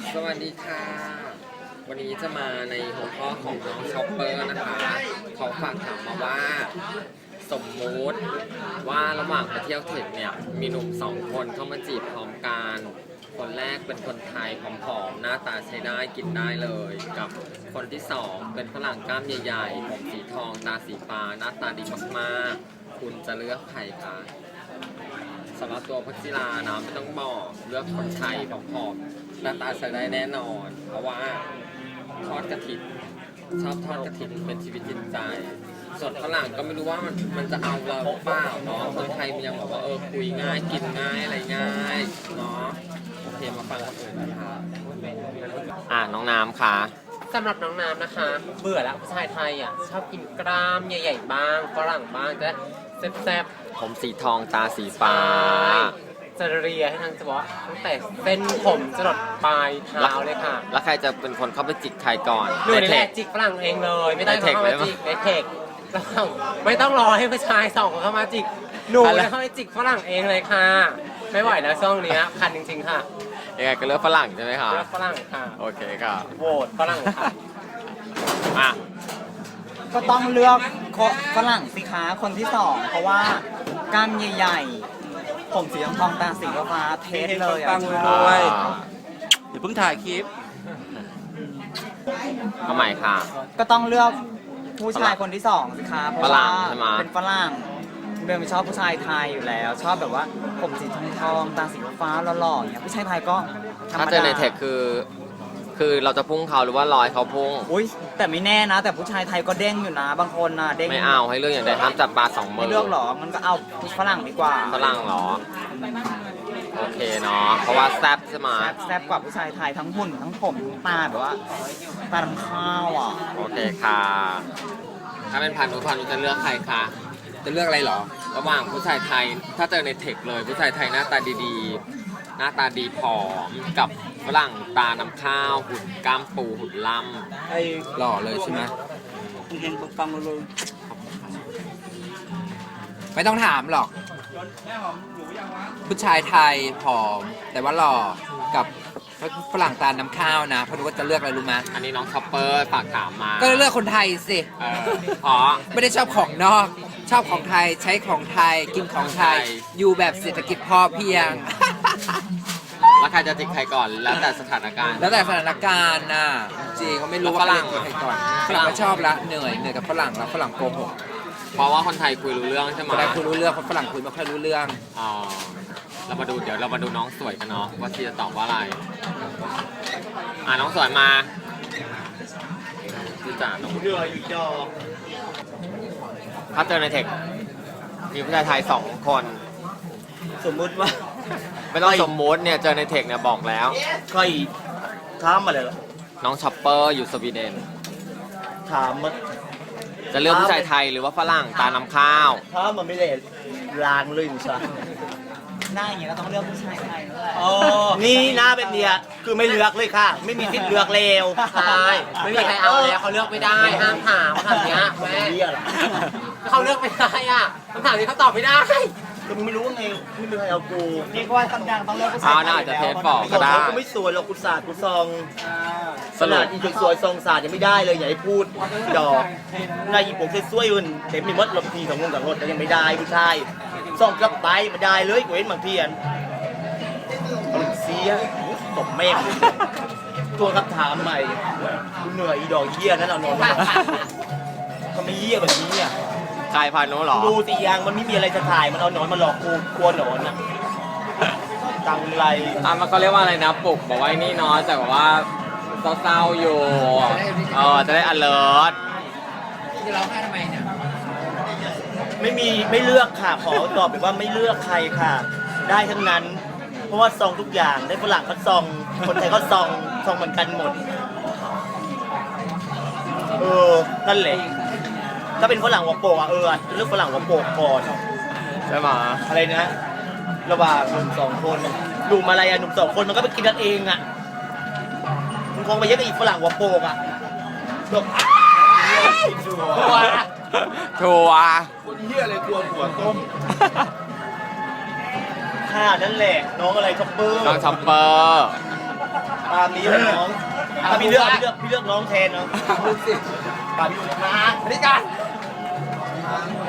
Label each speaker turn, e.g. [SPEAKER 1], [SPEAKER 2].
[SPEAKER 1] สวัสดีค่ะ วันนี้จะมาในหัวข้อของน้องช็อปเปอร์นะคะเขาฝากถามมาว่าสมมุติว่าระหว่างไปเที่ยวเทคเนี่ยมีหนุ่มสองคนเข้ามาจีบพร้อมกันคนแรกเป็นคนไทยผอมๆหน้าตาใช้ได้กินได้เลยกับคนที่สองเป็นฝรั่งกล้ามใหญ่ๆผมสีทองตาสีฟ้าหน้าตาดีมากๆคุณจะเลือกใครคะสำหรับตัวพัชจิรานะไม่ต้องบอกเลือกคนไทยผอมๆหน้าตาใช้ได้แน่นอน เพราะว่าทอดกระถิ่นชอบทอดกระถิ่นเป็นชีวิตจิตใจส่วนฝรั่งก็ไม่รู้ว่ามันจะเอาเราหรือเปล่าเนาะคนไทยมันยังบอกว่าคุยง่ายกินง่ายอะไรง่ายเนาะโอเคมาฟังคนอื่นนะคะน้องน้ำค่ะ
[SPEAKER 2] สำหรับน้องน้ำนะคะเบื่อแล้วผู้ชายไทยอ่ะชอบกินกล้ามใหญ่ๆบ้างฝรั่งบ้างจะแซ่บ
[SPEAKER 1] ๆผมสีทองตาสีฟ้า
[SPEAKER 2] จะเรียให้ทางจะบอกตั้งแต่เส้นผมจรดปลายเท้าเลยค่ะ
[SPEAKER 1] แล้วใครจะเป็นคนเข้าไปจิกใครก่อน
[SPEAKER 2] หนูนี่แหละจิกฝรั่งเองเลยไม่ต้องเข้ามาจิกในเทคไม่ต้องรอให้ผู้ชายสองคนเข้ามาจิกหนูจะเข้าไปจิกฝรั่งเองเลยค่ะไม่ไหวแล้วช่วงนี้คันจริงๆค่ะ
[SPEAKER 1] ยังไงก็เลือกฝรั่งใช่ไหมคะ
[SPEAKER 2] เลือกฝรั่งค่ะ
[SPEAKER 1] โอเคค่ะ
[SPEAKER 2] โหวตฝรั่งค่ะ
[SPEAKER 3] ก็ต้องเลือกฝรั่งสิคะคนที่สองเพราะว่ากล้ามใหญ่ๆผมสีทองตาสีฟ้าเทสเลย
[SPEAKER 4] ฟังเลยเดี๋ยวเพิ่งถ่ายคลิป
[SPEAKER 1] เอาใหม่ค่ะ
[SPEAKER 3] ก็ต้องเลือกผู้ชายคนที่สองสิคะเพราะว่าเป็นฝรั่งเบลไม่ชอบผู้ชายไทยอยู่แล้วชอบแบบว่าผมสีทองตาสีฟ้าหล่อๆอย่างเงี้ยผู้ชายไทยก็
[SPEAKER 1] ถ้าเจอในเทคคือเราจะพุ่งเขาหรือว่ารอยเขาพุ่ง
[SPEAKER 3] อุ้ยแต่ไม่แน่นะแต่ผู้ชายไทยก็เด้งอยู่นะบางคนนะเด้ง
[SPEAKER 1] ไม่เอาให้เลือกอย่างใดห้ามจับปลาสองมือ
[SPEAKER 3] ไม่เลือกหรอมันก็เอาฝรั่งดีกว่า
[SPEAKER 1] ฝรั่งหรอโอเคเนาะเพราะว่าแซ่บใช่ไหม
[SPEAKER 3] แซ่บกว่าผู้ชายไทยทั้งหุ่นทั้งผมทั้งตาแบบว่าตาดำข้าวอ่ะ
[SPEAKER 1] โอเคค่ะถ้าเป็นพันธุจะเลือกใครคะจะเลือกอะไรหรอระหว่างผู้ชายไทยถ้าเจอในเทคเลยผู้ชายไทยหน้าตาดีๆหน้าตาดีผอมกับฝรั่งตาน้ำข้าวหุ่นกล้ามปูหุ่นล่ำ
[SPEAKER 4] ไอ้หล่อเลยใช่ไหมเห็นฟังเลยไม่ต้องถามหรอกผู้ชายไทยผอมแต่ว่าหล่อกับฝรั่งตาน้ำข้าวนะเพราะรู้ว่าจะเลือกอะไรรู้ไหม
[SPEAKER 1] อันนี้น้องช็อปเปอร์ฝากถามมา
[SPEAKER 4] ก็เลือกคนไทยสิ
[SPEAKER 1] อ๋อ
[SPEAKER 4] ไม่ได้ชอบของนอกชอบของไทยใช้ของไทยกินของไทยอยู่แบบเศรษฐกิจพอเพียง
[SPEAKER 1] แล้วใครจะจิกใครก่อนแล้วแต่สถานการณ์
[SPEAKER 4] แล้วแต่สถานการณ์น่ะจริงเขาไม่รู้ว่าฝรั่งใครก่อนฝรั่งก็ชอบละเหนื่อยกับฝรั่งแล้วฝรั่งโกหก
[SPEAKER 1] เพราะว่าคนไทยคุยรู้เรื่องใช่ไหม
[SPEAKER 4] คนไทยคุยรู้เรื่องคนฝรั่งคุยไม่ค่อยรู้เรื่อง
[SPEAKER 1] อ๋อเดี๋ยวเรามาดูน้องสวยกันเนาะว่าชีจะตอบว่าอะไรน้องสวยมาดูจ่าน้อง
[SPEAKER 3] เรืออยู่จอ
[SPEAKER 1] ถ้าเจอในเทคมีผู้ชายไทย2 คน
[SPEAKER 3] สมมุติว่า
[SPEAKER 1] ไม่ต้องสมมุติเนี่ยเจอในเทคเนี่ยบอกแล้ว
[SPEAKER 3] ใครถามมาเลยเหรอ
[SPEAKER 1] น้องช็อปเปอร์อยู่สวีเดน
[SPEAKER 3] ถามมา
[SPEAKER 1] จะเลือกผู้ชายไทยหรือว่าฝรั่งตาน้ำข้าว
[SPEAKER 3] ถ้ามันไม่ได้ลางเลยใช่หน้าอย่างเงี้ยก็ต้องเลือกผู้ชายไทยนั่นแหละนี่หน้าเป็นเนี้ยคือไม่เลือกเลยค่ะไม่มีสิทธิ์เลือกเลว
[SPEAKER 2] ใช่ไม่มีใครเอาแล้วเขาเลือกไม่ได้ห้ามถามคำถามเนี้ยแม่เขาเลือกไม่ได้คำถามนี้เขาตอบไม่ได้
[SPEAKER 3] ก็ไม่รู้ว่าไงไม่มีใครเอากูนี่ก็ว่าคำดังต้องเลือกผู้ชาย
[SPEAKER 1] น่าจะเทสบอกก็ได้
[SPEAKER 3] กูไม่สวยหรอกกูศาสตร์กูซองขนาดอีจุดสวยซองศาสตร์ยังไม่ได้เลยอย่าให้พูดดอกนายอีผมสวยๆอื่นเต็มมีมดลมทีของงงกับรถแต่ยังไม่ได้ผู้ชายซองกลับไปไม่ได้เลยกูเห็นบางทีเสียตบแม่ตัวคำถามใหม่กูเหนื่อยอีดอกเยี่ยนั่นเอานอนทำไมเยี่ยแบบนี้อ่ะ
[SPEAKER 1] กายพันธุ์นู้นหรอ
[SPEAKER 3] ดูตียางมันไม่มีอะไรจะถ่ายมันเอาหนอนมาหลอกกูกลัวหนอนอ่ะตังไร
[SPEAKER 1] มันก็เรียกว่าอะไรนะปลุกบอกว่านี่เนาะแต่แบบว่าเศร้าๆอยู่จะได้ alert
[SPEAKER 4] ที่ร้องไห้ทำไมเนี่ย
[SPEAKER 3] ไม่เลือกค่ะขอตอบแบบว่าไม่เลือกใครค่ะได้ทั้งนั้นเพราะว่าซองทุกอย่างได้ฝรั่งก็ซองคนไทยก็ซองเหมือนกันหมดนั่นแหละถ้าเป็นฝรั่งหัวโปกเลือกฝรั่งหัวโปกก่อน
[SPEAKER 1] ใช่ไหม
[SPEAKER 3] อะไรนะระหว่างหนุ่ม2 คนหนุ่มอะไรหนุ่ม2 คนมันก็ไปกินกันเองมึงคงไปเยอะกับอีกฝรั่งหัวโปก
[SPEAKER 1] ทัว
[SPEAKER 3] คนเหี้ยอะไรกลัวหัวต้มค่ะนั่นแหละน้องอะไรช็อปเปอร์
[SPEAKER 1] น้องช็อปเปอร์
[SPEAKER 3] ตาามนี้เลยน้องถ้าพี่เลือกน้องแทนเนาะ
[SPEAKER 4] ดูสิ
[SPEAKER 3] ปาพี่ดูนะ
[SPEAKER 4] อันนี้กัน
[SPEAKER 3] เ